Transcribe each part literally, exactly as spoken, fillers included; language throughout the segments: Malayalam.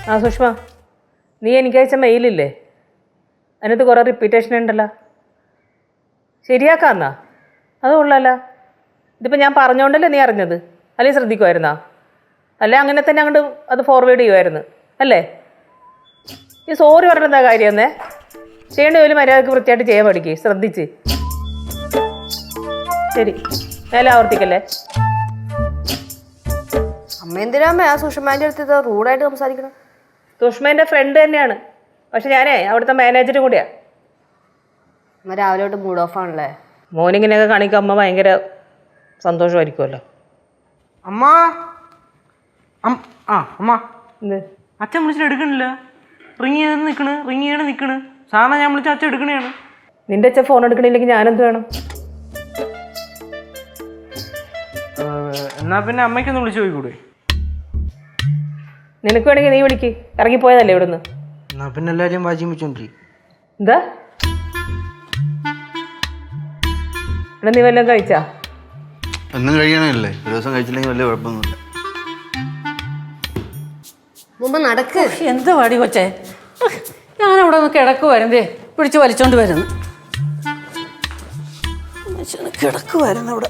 ആ സുഷ്മ, നീ എനിക്ക് അയച്ച മെയിലില്ലേ, അതിനകത്ത് കുറേ റിപ്പീറ്റേഷൻ ഉണ്ടല്ലോ, ശരിയാക്കാന്നാ? അത് കൊള്ളാല്ല. ഇതിപ്പോൾ ഞാൻ പറഞ്ഞോണ്ടല്ലേ നീ അറിഞ്ഞത്, അല്ലെങ്കിൽ ശ്രദ്ധിക്കുമായിരുന്നാ? അല്ലേ അങ്ങനെ തന്നെ അങ്ങോട്ട് അത് ഫോർവേഡ് ചെയ്യുമായിരുന്നു അല്ലേ? ഈ സോറി പറഞ്ഞ എന്താ കാര്യം എന്നേ? ചെയ്യേണ്ട ജോലി മര്യാദക്ക് വൃത്തിയായിട്ട് ചെയ്യാൻ പഠിക്ക്, ശ്രദ്ധിച്ച്. ശരി, മേലെ ആവർത്തിക്കല്ലേ. അമ്മ എന്തിനാ ആ സുഷമാൻ്റെ അടുത്ത് റൂഡായിട്ട് സംസാരിക്കണം? സുഷ്മേൻ്റെ ഫ്രണ്ട് തന്നെയാണ്, പക്ഷെ ഞാനേ അവിടുത്തെ മാനേജറും കൂടിയാണ്. അമ്മ രാവിലെ തൊട്ട് മൂഡ് ഓഫ് ആണല്ലേ? മോനിങ്ങനെയൊക്കെ കാണിക്കുക അമ്മ ഭയങ്കര സന്തോഷമായിരിക്കുമല്ലോ. അമ്മ ആ അമ്മ എന്ത് അച്ഛൻ വിളിച്ചിട്ട് എടുക്കണില്ല. റിങ് ചെയ്ത് നിൽക്കണ് റിങ് ചെയ്യണ നിൽക്കണ്. സാറിനെ ഞാൻ വിളിച്ച അച്ഛൻ എടുക്കണേയാണ്. നിന്റെ അച്ഛൻ ഫോൺ എടുക്കണില്ലെങ്കിൽ ഞാനെന്ത് വേണം? എന്നാ പിന്നെ അമ്മയ്ക്കൊന്ന് വിളിച്ചു പോയിക്കൂടെ? നിനക്ക് വേണമെങ്കിൽ നീ വിളിക്ക്, ഇറങ്ങിപ്പോയതല്ലേ ഇവിടുന്ന്. എന്നാ പിന്നെ എല്ലാവരെയും വാശിയും വെച്ചോണ്ടി. എന്താ ഇവിടെ നീ വല്ലതും കഴിച്ചാ? ഒന്നും കഴിയണമല്ലേ, ഒരു ദിവസം കഴിച്ചില്ലെങ്കിൽ വലിയ കുഴപ്പമൊന്നുമില്ല. മുമ്പ് നടക്ക്. എന്ത് പാടി കൊച്ചേ, ഞാനവിടെ ഒന്ന് കിടക്കുവായിരുന്നേ, പിടിച്ച് വലിച്ചോണ്ട് വരുന്നു. കിടക്കുവായിരുന്നു അവിടെ.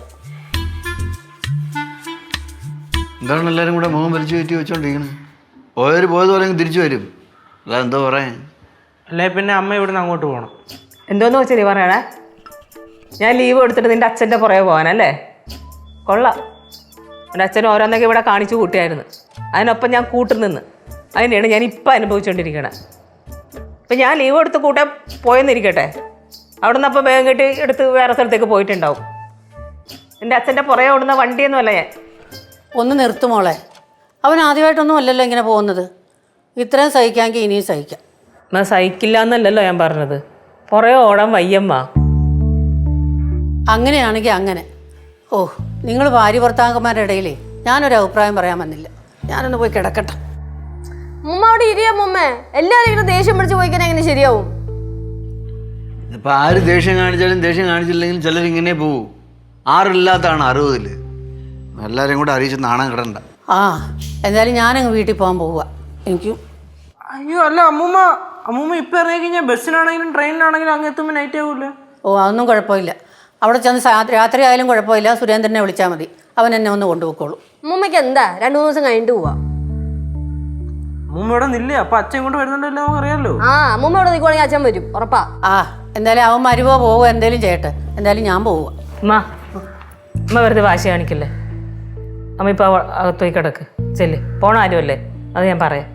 എന്താണ് എല്ലാവരും കൂടെ മുഖം വലിച്ചു കയറ്റി വെച്ചോണ്ടിരിക്കണത്? പോയവർ പോയതുപോലെ തിരിച്ചു വരും, അല്ല എന്തോ പറയാൻ. അല്ലേ പിന്നെ അമ്മ ഇവിടുന്ന് അങ്ങോട്ട് പോകണം. എന്തോന്ന് വെച്ചാൽ നീ പറയണേ? ഞാൻ ലീവ് എടുത്തിട്ട് നിന്റെ അച്ഛൻ്റെ പുറകെ പോകാനല്ലേ? കൊള്ളാം. എൻ്റെ അച്ഛൻ ഓരോന്നൊക്കെ ഇവിടെ കാണിച്ചു കൂട്ടിയായിരുന്നു, അതിനൊപ്പം ഞാൻ കൂട്ടുനിന്ന്. അതിനെയാണ് ഞാൻ ഇപ്പം അനുഭവിച്ചുകൊണ്ടിരിക്കണത്. ഇപ്പം ഞാൻ ലീവ് എടുത്ത് കൂട്ടാൻ പോയെന്നിരിക്കട്ടെ, അവിടെ നിന്ന് അപ്പം വേഗം കെട്ടി എടുത്ത് വേറെ സ്ഥലത്തേക്ക് പോയിട്ടുണ്ടാവും. എൻ്റെ അച്ഛൻ്റെ പുറകെ ഓടുന്ന വണ്ടിയൊന്നുമല്ല ഞാൻ. ഒന്ന് നിർത്തുമോളെ, അവൻ ആദ്യമായിട്ടൊന്നും അല്ലല്ലോ ഇങ്ങനെ പോകുന്നത്. ഇത്രയും സഹിക്കാമെങ്കിൽ ഇനിയും സഹിക്കാം. എന്നാൽ സഹിക്കില്ല എന്നല്ലല്ലോ ഞാൻ പറഞ്ഞത്, പുറകെ ഓടാൻ വയ്യമ്മ. അങ്ങനെയാണെങ്കിൽ അങ്ങനെ. ഓ, നിങ്ങൾ ഭാര്യ ഭർത്താക്കന്മാരുടെ ഇടയിലേ ഞാനൊരു അഭിപ്രായം പറയാൻ വന്നില്ല. ഞാനൊന്ന് പോയി കിടക്കട്ടെ. മുമ്മ അവിടെ ഇരിയാ മുമ്മേ. എല്ലാവരും ഇങ്ങനെ ദേഷ്യം പിടിച്ച് പോയിക്കാൻ എങ്ങനെ ശരിയാവും? ഇപ്പം ആര് ദേഷ്യം കാണിച്ചാലും ദേഷ്യം കാണിച്ചില്ലെങ്കിലും ചിലരിങ്ങനെ പോവും. ആറില്ലാത്തതാണ് അറുപതിൽ. എല്ലാവരും കൂടെ അറിയിച്ച് നാണം കിടണ്ട. ആ, എന്തായാലും ഞാനങ്ങ് വീട്ടിൽ പോകാൻ പോവുക. എനിക്ക് അയ്യോ അല്ല അമ്മൂമ്മ, അമ്മൂമ്മ ഇപ്പം ഇറങ്ങി കഴിഞ്ഞാൽ ബസ്സിനാണെങ്കിലും ട്രെയിനിലാണെങ്കിലും അങ്ങ് എത്തുമ്പോൾ നൈറ്റ് ആവൂല്ലേ? ഓ, അതൊന്നും കുഴപ്പമില്ല. അവിടെ ചെന്ന് രാത്രി ആയാലും കുഴപ്പമില്ല. സുരേന്ദ്രനെ വിളിച്ചാൽ മതി, അവൻ എന്നെ ഒന്ന് കൊണ്ടുപോയിക്കോളൂ. മുമ്മയ്ക്ക് എന്താ രണ്ടു മൂന്ന് ദിവസം കഴിഞ്ഞിട്ട് പോവാ? അമ്മൂമ്മ ഇവിടെ നില്ലേ, അപ്പൊ അച്ഛൻ ഇങ്ങോട്ട് വരുന്നുണ്ടല്ലോ, നമുക്ക് അറിയാലോ. ആ, അമ്മൂമ്മ ഇവിടെ നിൽക്കുവാണെങ്കിൽ അച്ഛൻ വരും ഉറപ്പാ. ആ, എന്തായാലും അവൻ മരുവോ പോവോ എന്തേലും ചെയ്യട്ടെ. എന്തായാലും ഞാൻ പോവുക. അമ്മ അമ്മ വെറുതെ വാശി കാണിക്കല്ലേ. അമ്മ ഇപ്പോൾ അകത്തോയി കിടക്ക്, ചെല്ല്. പോണ ആരുമല്ലേ, അത് ഞാൻ പറയാം.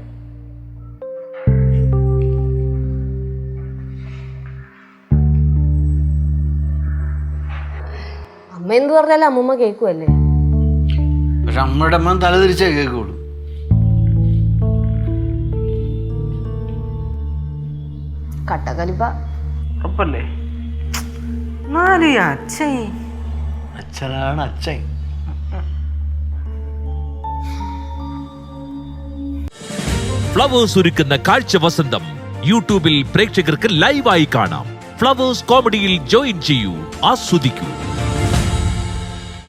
അമ്മ എന്ത് പറഞ്ഞാലും അമ്മൂമ്മ കേൾക്കുമല്ലേ? പക്ഷെ അമ്മയുടെ അമ്മ തലതിരിച്ചേ കേൾക്കുള്ളൂ. കട്ടക്കലിപ്പ ഉറപ്പല്ലേ? എന്നാലും അച്ഛൻ അച്ഛനാണ് അച്ഛൻ. ഫ്ലവേഴ്സ് ഒരുക്കുന്ന കാഴ്ച വസന്തം യൂട്യൂബിൽ പ്രേക്ഷകർക്ക് ലൈവായി കാണാം. ഫ്ലവേഴ്സ് കോമഡിയിൽ ജോയിൻ ചെയ്യൂ, ആസ്വദിക്കൂ.